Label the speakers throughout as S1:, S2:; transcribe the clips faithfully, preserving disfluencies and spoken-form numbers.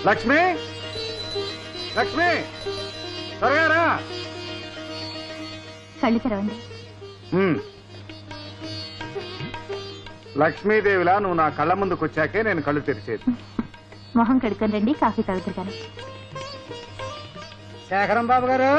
S1: లక్ష్మి లక్ష్మి త్వరగా రా.
S2: కళ్ళు తెరవండి.
S1: లక్ష్మీదేవిలా నువ్వు నా కళ్ళ ముందుకు వచ్చాకే నేను కళ్ళు తెరిచేది.
S2: మొహం కడుక్కొని రండి, కాఫీ తాగుతారు కానీ.
S3: శేఖరం బాబు గారు.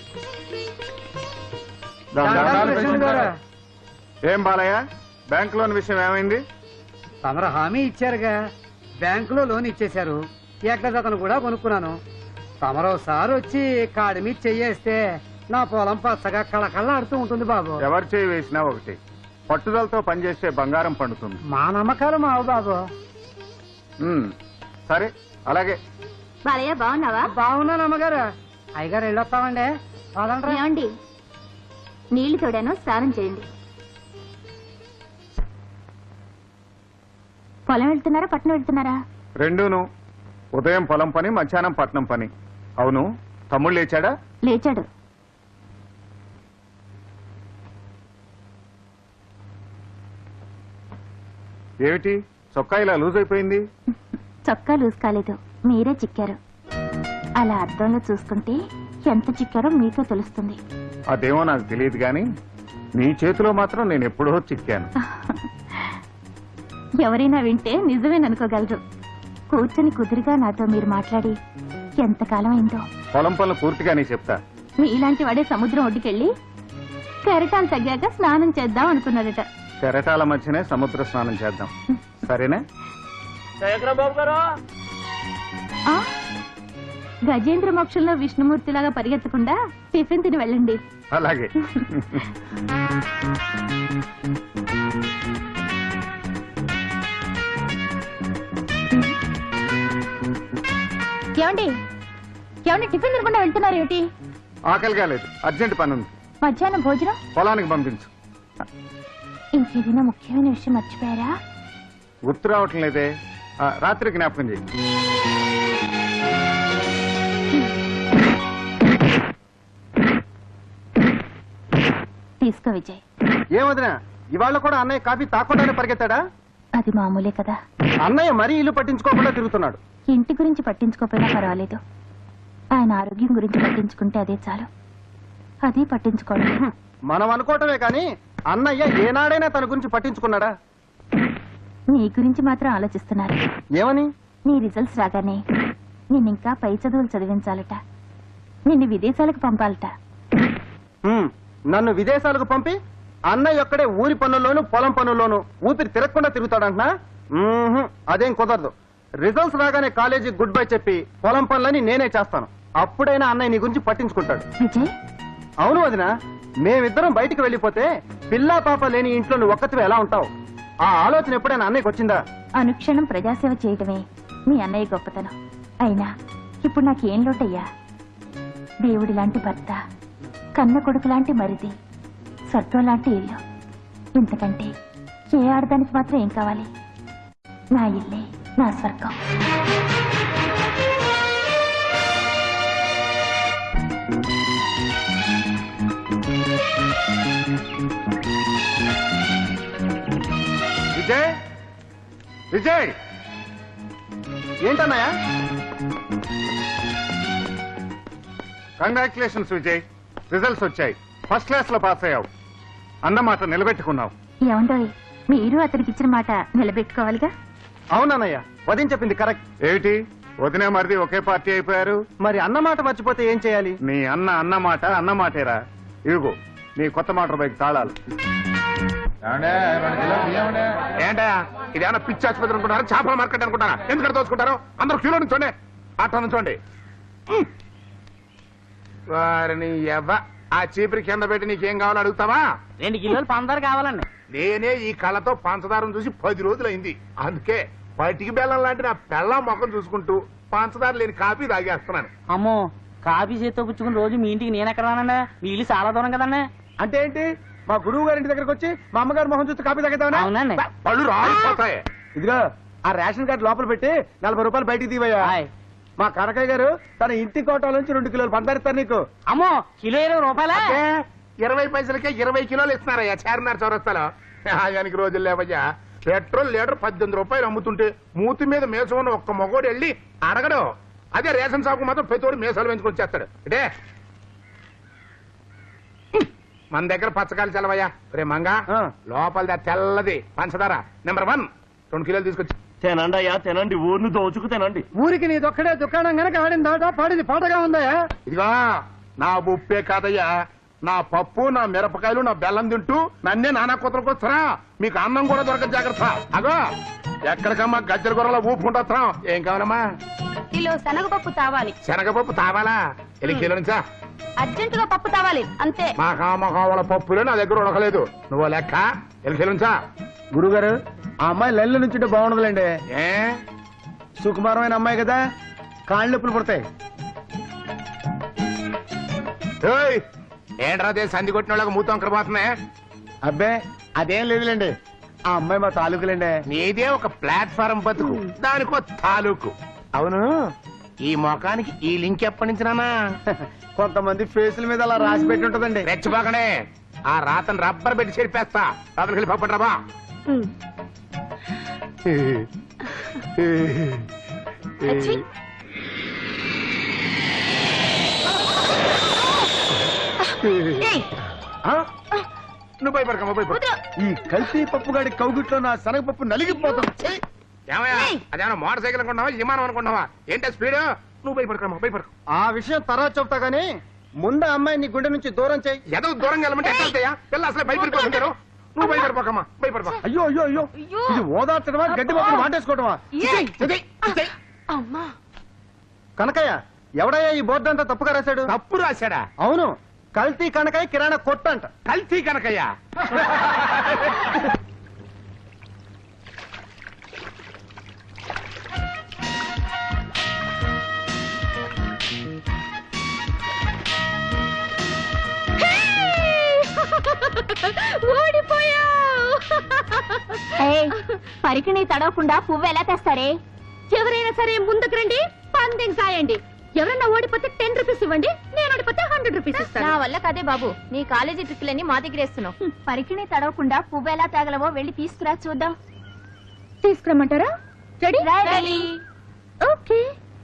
S1: ఏం బాలయ్య, బ్యాంక్ లోన్ విషయం ఏమైంది?
S3: తమరు హామీ ఇచ్చారుగా, బ్యాంకులో లోన్ ఇచ్చేశారు. ఏకదతను కూడా కొనుక్కున్నాను. తమరోసారి వచ్చి కాడి మీద చెయ్యేస్తే నా పొలం పచ్చగా కళకళ ఆడుతూ ఉంటుంది బాబు.
S1: ఎవరు చేయి వేసినా ఒకటి, పట్టుదలతో పనిచేస్తే బంగారం పండుతుంది.
S3: మా నమ్మకాలు మావు బాబు.
S1: సరే అలాగే.
S2: బాలయ్య బాగున్నావా?
S3: బాగున్నాను అమ్మగారు. అయ్యగారు వెళ్ళొస్తామండి.
S2: ఏమండి, నీళ్లు తోడాను, స్నానం చేయండి. పొలం వెళ్తున్నారా పట్నం వెళ్తున్నారా?
S1: రెండూను. ఉదయం పొలం పని, మధ్యాహ్నం పట్నం పని. అవును, తమ్ముడు లేచాడా?
S2: లేచాడు.
S1: ఏమిటి చొక్కా ఇలా లూజ్ అయిపోయింది?
S2: చొక్కా లూజ్ కాలేదు, మీరే చిక్కారు. అలా అద్దంలో చూసుకుంటే ఎంత చిక్కారో మీకే తెలుస్తుంది.
S1: అదేమో నాకు తెలియదు గాని నీ చేతిలో మాత్రం నేను ఎప్పుడో చిక్కాను.
S2: ఎవరైనా వింటే నిజమేననుకోగలరు. కూర్చొని కుదురుగా నాతో మీరు మాట్లాడి ఎంతకాలం అయిందో.
S1: పొలం పనులు పూర్తిగానే చెప్తా.
S2: మీలాంటి వాడే సముద్రం ఒడ్డుకెళ్ళి కెరటాలు తగ్గాక స్నానం చేద్దాం అనుకున్నాడట.
S1: కెరటాల మధ్యనే సముద్ర స్నానం చేద్దాం, సరేనా?
S2: గజేంద్ర మోక్షంలో విష్ణుమూర్తిలాగా పరిగెత్తకుండా టిఫిన్ తిని వెళ్ళండి.
S1: అలాగే.
S2: ఏమండి ఏమండి టిఫిన్ తినకుండా వెళ్తున్నారు ఏమిటి?
S1: ఆకలి కాలేదు, అర్జెంట్ పని ఉంది.
S2: మధ్యాహ్నం భోజనం
S1: పొలానికి పంపించు.
S2: ఇంకేదైనా ముఖ్యమైన విషయం మర్చిపోయారా?
S1: గుర్తు రావటం లేదే. రాత్రి జ్ఞాపకం చేయి.
S2: తీసుకో విజయ్.
S3: ఏమదినా, ఇవాళ కూడా అన్నయ్య కాఫీ తాకుండానే పరిగెత్తాడా?
S2: అది మామూలే కదా.
S3: అన్నయ్య మరీ ఇల్లు పట్టించుకోకుండా తిరుగుతున్నాడు.
S2: ఇంటి గురించి పట్టించుకోకపోయినా పర్వాలేదు, ఆయన ఆరోగ్యం గురించి పట్టించుకుంటే అదే చాలు. అది పట్టించుకోవడం
S3: మనం అనుకోవటమే కానీ అన్నయ్య ఏనాడైనా తన గురించి పట్టించుకున్నాడా?
S2: నీ గురించి మాత్రం ఆలోచిస్తున్నారు.
S3: ఏమని?
S2: నీ రిజల్ట్స్ రాగానే నిన్నింకా పై చదువులు చదివించాలట, నిన్ను విదేశాలకు పంపాలట.
S3: నన్ను విదేశాలకు పంపి అన్నయ్య ఒక్కడే ఊరి పనుల్లోనూ పొలం పనుల్లోనూ ఊపిరి తిరగకుండా తిరుగుతాడంటున్నా? అదేం కుదరదు. రిజల్ట్స్ రాగానే కాలేజీ గుడ్ బై చెప్పి పొలం పనులని నేనే చేస్తాను. అప్పుడైనా అన్నయ్య నీ గురించి పట్టించుకుంటాడు.
S2: విజయ్.
S3: అవును వదిన, మేమిద్దరం బయటికి వెళ్ళిపోతే పిల్లా పాప లేని ఇంట్లో నువ్వు ఒక్కతివే ఎలా ఉంటావు? ఆ ఆలోచన ఎప్పుడైనా అన్నయ్యకి వచ్చిందా?
S2: అనుక్షణం ప్రజాసేవ చేయటమే మీ అన్నయ్య గొప్పతనం. అయినా ఇప్పుడు నాకేం లోటయ్యా? దేవుడి లాంటి భర్త, కన్న కొడుకు లాంటి మరిది, స్వర్గం లాంటి ఇల్లు. ఇంతకంటే ఏ ఆడదానికి మాత్రం ఏం కావాలి? నా ఇల్లే నా స్వర్గం.
S1: విజయ్, విజయ్.
S3: ఏంటన్నయ్య?
S1: కంగ్రాచులేషన్స్ విజయ్, రిజల్ట్స్ వచ్చాయి. ఫస్ట్ క్లాస్ లో పాస్ అయ్యావు. అన్నమాట నిలబెట్టుకున్నావు.
S2: ఏమండోయ్, మీరు అతనికి ఇచ్చిన మాట నిలబెట్టుకోవాలిగా.
S3: అవునన్నయ్య, వదిన చెప్పింది కరెక్ట్.
S1: ఏమిటి వదిన మరిది ఒకే పార్టీ అయిపోయారు?
S3: మరి అన్నమాట మర్చిపోతే ఏం చేయాలి?
S1: నీ అన్న అన్నమాట అన్నమాటేరా. ఇదిగో నీ కొత్త మోటార్ బైక్ తాళాలు.
S4: ఏంటా ఇదేమన్నా పిచ్చి ఆసుపత్రి అనుకుంటారా? చేపల మార్కెట్ అనుకుంటారా? ఎందుకంటే దోచుకుంటారు? అందరూ క్యూలో నుంచోండి, అట్లా నుంచోండి. వారిని ఎవ ఆ చీపురి కింద పెట్టి నీకేం కావాలో అడుగుతావా?
S3: రెండు కిలోలు పంచదార కావాలండి.
S4: నేనే ఈ కళ్ళతో పంచదారం చూసి పది రోజులైంది. అందుకే పటికి బెల్లం లాంటి నా బెల్లం మొఖం చూసుకుంటూ పంచదార లేని కాఫీ తాగేస్తున్నాను.
S3: అమ్మో, కాఫీ చేత్తో పుచ్చుకుని రోజు మీ ఇంటికి నేను ఎక్కడ రానండి? మీ ఇల్లు చాలా దూరం కదండి. అంటే ఏంటి, మా గురువు గారి ఇంటి దగ్గరకు వచ్చి మా అమ్మగారు మొహం చూస్తే కాఫీ తాగేద్దామని? అవునండి.
S4: పళ్ళు రాలిపోతాయి.
S3: ఇదిగో ఆ రేషన్ కార్డు లోపల పెట్టి నలభై రూపాయలు బయటికి తీవయ్యా. మా కనకయ్య గారు తన ఇంటి కోటల నుంచి రెండు కిలోలు పందారిస్తారు నీకు. అమ్మో, కిలో ఇరవై రూపాయలా?
S4: ఇరవై పైసలకే ఇరవై కిలోలు ఇస్తున్నారయ్యా చార్మినార్ చౌరస్తాలో. ఆయనకి రోజులు లేవయ్యా. పెట్రోల్ లీటర్ పద్దెనిమిది రూపాయలు అమ్ముతుంటే మూతి మీద మేసం ఉన్న ఒక్క మగోడు వెళ్ళి అడగడు. అదే రేషన్ షాపు మాత్రం ప్రతివాడు మేసాలు పెంచుకొని చేస్తాడు. అంటే మన దగ్గర పచ్చకాయలు చల్లవయ్యా. రే మంగా
S3: ఆ.
S4: లోపల తెల్లది పంచదార నెంబర్ వన్ రెండు కిలోలు తీసుకొచ్చి.
S5: తినండి అయ్యా తినండి, ఊరిని దోచుకు తినండి.
S3: ఊరికి నీదొక్కడే దుకాణం గనక ఆడిందాట పాడిది పాటగా ఉందయా.
S4: ఇదిగా నా ఉప్పే కాదయ్యా, నా పప్పు నా మిరపకాయలు నా బెల్లం తింటూ నన్నే నానా కూతురుకు వస్తారా? మీకు అన్నం కూడా దొరకదు, జాగ్రత్త. అగో ఎక్కడికమ్మా గజ్జల గొర్రెల ఊపుకుంటా. ఏం కావాలమ్మా?
S2: కిలో శనగపప్పు తావాలి.
S4: శనగపప్పు తావాలా? ఎన్ని కిలో నుంచా?
S2: అర్జెంటుగా పప్పు తావాలి అంతే.
S4: మా కామకావల పప్పులే నా దగ్గర ఉడకలేదు. నువ్వు లెక్క ఎన్ని కిలో నుంచా?
S3: గురుగారు ఆ అమ్మాయి లైన్లో నుంచి బాగుండదులేండి.
S4: ఏ
S3: సుకుమారమైన అమ్మాయి కదా, కాళ్ళు నొప్పులు పుడతాయి.
S4: ఏయ్, ఏంట్రా అదే సంధి కొట్టిన వాళ్ళకి మూతం అక్కడ పోతున్నాయి.
S3: అబ్బే అదేం లేదులేండి, ఆ అమ్మాయి మా తాలూకులేండి.
S4: నీదే ఒక ప్లాట్ఫారం బతుకు, దానికో తాలూకు. అవును, ఈ మొఖానికి ఈ లింక్ ఎప్పటి నుంచి నానా?
S3: కొంతమంది ఫేసుల మీద అలా రాసి పెట్టి ఉంటదండి.
S4: రెచ్చిపోకనే, ఆ రాతను రబ్బర్ పెట్టి చెరిపేస్తా. రాత్రికి వెళ్ళి పప్పట్రాబా.
S2: అచ్చి. ఏయ్,
S3: ఆ?
S4: నువ్వు భయపడకమ్మా, భయపడ.
S2: వదరు.
S3: ఈ కల్తీ పప్పు గాడి కౌగిట్లో నా శనగపప్పు నలిగిపోతుంది. ఛీ!
S4: ఏమయ్యా,
S2: ఏయ్.
S4: అదేమన్నా మోటార్ సైకిల్ అనుకుంటున్నావా, విమానం అనుకుంటున్నావా? ఏంటో స్పీడ్? నువ్వు భయపడకమ్మా, భయపడకు.
S3: ఆ విషయం తర్వాత చెప్తా గానీ ముందు ఆ అమ్మాయి నీ గుండె నుంచి దూరం చేయి.
S4: ఏదో దూరంగా వెళ్ళమంటే ఎట్లా వెళ్తాయా? పిల్ల అసలే భయపడిపోతుంటారు. నువ్వు భయపడిపోకమ్మా, భయపడిపో.
S3: అయ్యో అయ్యో అయ్యో
S2: అయ్యో.
S3: ఇది ఓదార్చడమా గడ్డి పప్పును వాటేసుకోవడమా?
S2: ఏయ్.
S4: ఇది, ఇది.
S2: అమ్మా.
S3: కనకయ్య ఎవడయ్యా ఈ బోర్డు అంతా తప్పుగా రాశాడు?
S4: తప్పు రాశాడా?
S3: అవును, కల్తీ కనకయ్య కిరాణా కొట్టు అంట.
S4: కల్తీ కనకయ్యా?
S2: పరికిణి తడవకుండా పువ్వు ఎలా తెస్తారే? ఎవరైనా సరే ముందుకు రండి, పందెం కాయండి. ఎవరన్నా ఓడిపోతే టెన్ రూపీస్ ఇవ్వండి, నేను ఓడిపోతే హండ్రెడ్ రూపీస్ ఇస్తాను. నా వల్ల కదే బాబు, నీ కాలేజీ ట్రిక్లన్నీ మా దగ్గర వేస్తున్నావు. పరికిణి తడవకుండా పువ్వు ఎలా తగలవో వెళ్ళి తీసుకురా చూద్దాం. తీసుకురమ్మంటారా? రెడీ? రెడీ. ఓకే.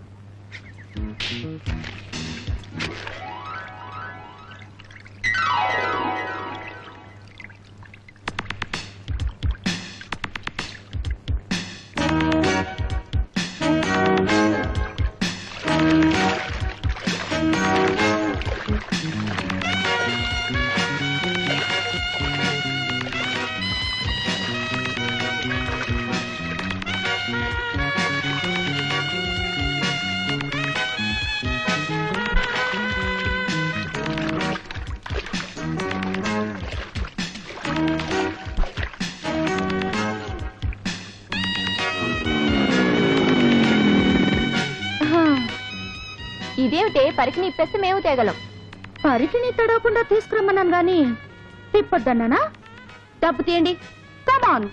S2: ఇదేమిటే పరికిని ఇప్పేస్తే మేము తేగలం. పరికిని తడవకుండా తీసుకురమ్మన్నాను గాని తిప్పొద్దన్నానా? డబ్బు తీయండి, కమాన్.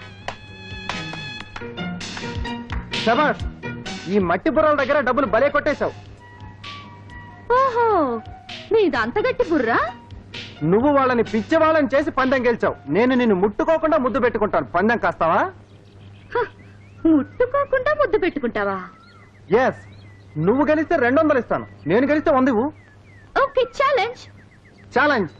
S3: శబాష్, ఈ మట్టి బుర్రల దగ్గర డబ్బులు భలే కొట్టేశావు.
S2: ఓహో, మీది అంత గట్టి బుర్రా?
S3: నువ్వు వాళ్ళని పిచ్చి వాళ్ళని చేసి పందెం గెలిచావు. నేను నిన్ను ముట్టుకోకుండా ముద్దు పెట్టుకుంటాను. పందెం కాస్తావా?
S2: హ, ముట్టుకోకుండా ముద్దు పెట్టుకుంటావా?
S3: ఎస్, నువ్వు గెలిస్తే రెండు వందలు ఇస్తాను, నేను గెలిస్తే వంద ఇవ్వు.
S2: Okay, challenge.
S3: ఛాలెంజ్.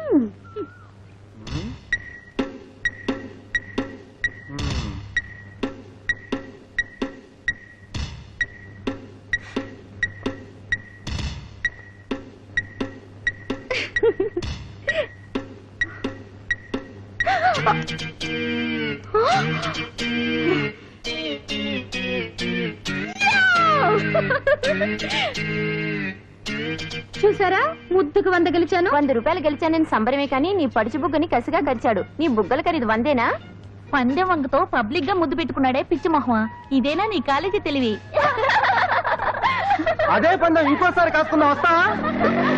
S2: చూసారా, ముద్దుకు వంద గెలిచాను. వంద రూపాయలు గెలిచానని సంబరమే కానీ నీ పడుచు బుగ్గని కసిగా గరిచాడు. నీ బుగ్గల ఖరీదు వందేనా? పందెం వంగతో పబ్లిక్ గా ముద్దు పెట్టుకున్నాడే పిచ్చి మొహమా. ఇదేనా నీ కాలేజీ తెలివి?
S3: అదే పందెం ఇంకోసారి కాసుకుందాం, వస్తావా?